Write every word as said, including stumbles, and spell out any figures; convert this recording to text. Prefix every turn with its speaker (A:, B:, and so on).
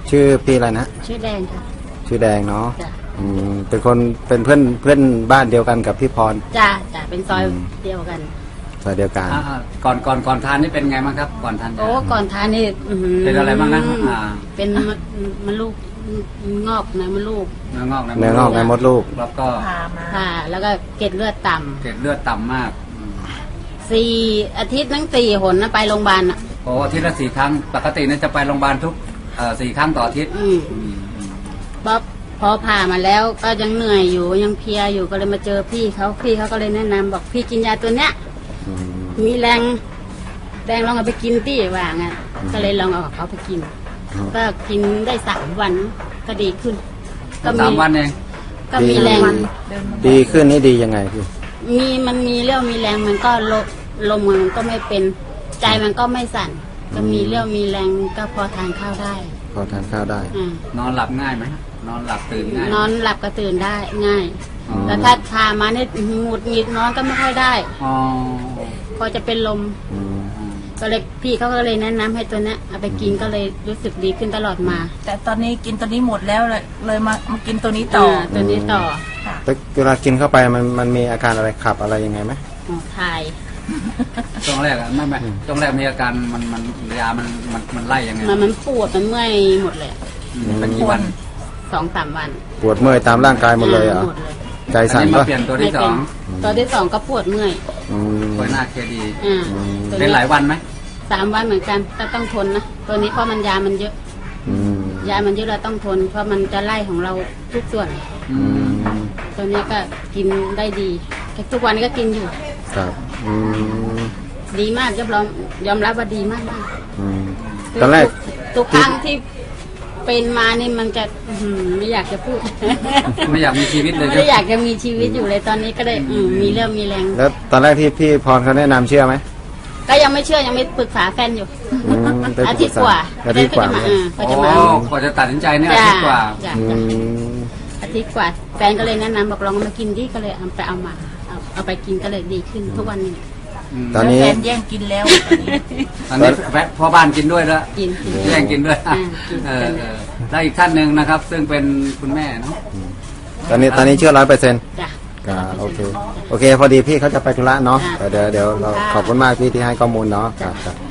A: ชื่อพี่อะไรนะ
B: ชื่อแดงค่ะ
A: ชื่อแดงเนาะอืมเป็นคนเป็นเพื่อนเพื่อนบ้านเดียวกันกับพี่พร
B: จ้าจ้าเป็นซอยเดียวกัน
A: ซอยเดียวกัน
C: ก่อนก่อนก่อนทานนี่เป็นไงบ้างครับก่อนทาน
B: โอ้ก่อนทานนี่
C: เป็นอะไรบ้างนะ
B: เป็นมันลูกงอกในมดลูก
C: เนื้องอกใน
A: เนื้องอกในมดลูก
C: แล้วก็
B: ผ่าแล้วก็เกล็ดเลือดต่ำ
C: เกล็ดเลือดต่ำมาก
B: สี่อาทิตย์ทั้งสี่หนนะไปโรงพยาบาลอ่ะ
C: โอ้อาทิตย์ละสี่ครั้งปกติเนี่ยจะไปโรงพยาบาลทุกสี่ครั้งต่ออาทิตย์
B: พอพอผ่ามาแล้วก็ยังเหนื่อยอยู่ยังเพลียอยู่ก็เลยมาเจอพี่เขาพี่เขาก็เลยแนะนำบอกพี่กินยาตัวเนี้ยมีแรงแรงลองเอาไปกินที่ว่างั้นก็เลยลองเอาเขาไปกินก็กินได้สามวันก็ดีขึ้น
C: ก็สามวันเอง
B: ก็มีแรง
A: ดีขึ้นนี่ดียังไงพี่
B: มีมันมีเรี่ยวมีแรงมันก็ลมลมมันก็ไม่เป็นใจมันก็ไม่สั่นก็มีเรี่ยวมีแรงก็พอทานข้าวได้
A: พอทานข้าวได้
C: นอนหลับง่ายไหมนอนหลับตื่นง่าย
B: นอนหลับก็ตื่นได้ง่ายแต่ถ้าทามาเนี่ยหงุดหงิดนอนก็ไม่ค่อยได้พอจะเป็นลมก็เลยพี่เขาก็เลยแนะนำให้ตัวนี้เอาไปกินก็เลยรู้สึกดีขึ้นตลอดมา
D: แต่ตอนนี้กินตัวนี้หมดแล้วเลยเลยมามากินตัวนี้ต่อ
B: ตัวนี้ต่อ
A: แต่เวลากินเข้าไปมันมันมีอาการอะไรขับอะไรยังไงไหม
B: ถ่าย
C: ช่วงแรกอะไม่ไม่ช่วงแรกมีอาการมันมันยามันมันมันไล่ยังไง
B: มันมันปวดมันเมื่อยหมดเลย
C: เป็นกี่วัน
B: สองสามวัน
A: ปวดเมื่อยตามร่างกายหมดเลยอ่ะใจสั่น
C: ก็เปลี่ยนตัวที่สอง
B: ตัวที่สองก็ปวดเมื่อย
C: ปวดหน้าเคดีเป็นหลายวันไหม
B: สามวันเหมือนกันแต่ต้องทนนะตัวนี้เพราะมันยามันเยอะยามันเยอะเราต้องทนเพราะมันจะไล่ของเราทุกส่วนตัวนี้ก็กินได้ดีทุกวันนี้ก็กินอยู่
A: ครับ
B: ดีมากยอมรับยอมรับว่าดีมากมาก
A: ตอนแรก
B: ทุกครั้งที่เป็นมานี่มันจะไม่อยากจะพูด
C: ไม่อยากมีชีวิตเลย
B: ไม่อยากจะมีชีวิตอยู่เลยตอนนี้ก็ได้มีเรื่องมีแรง
A: แล้วตอนแรกที่พี่พรเขาแนะนำเชื่อไหม
B: ก็ยังไม่เชื่อยังไม่ปรึกษาแฟนอยู่อาทิตย์กว่า
A: อาทิตย์กว่า
C: เขาจะมาพอจะตัดสินใจเนี่ยอาทิตย์กว่า
B: อาทิตย์กว่าแฟนก็เลยแนะนำบอกลองมากินดิก็เลยเอาไปเอามาเอาไปกินก็เลยดีขึ้นทุกวันนี้
A: ตอนนี้
D: แฟนแย่งกินแล้ว
C: ตอนนี้แวะพ่อบ้านกินด้วยแล้วแย่งกินด้วยแล้วอีกท่านหนึ่งนะครับซึ่งเป็นคุณแม่เนาะ
A: ตอนนี้ตอนนี้เชื่อร้อยเปอร์เซ็นต์โอเคโอเคพอดีพี่เขาจะไปธุระเนาะเดี๋ยวเดี๋ยวเราขอบคุณมากพี่ที่ให้ข้อมูลเนาะครับ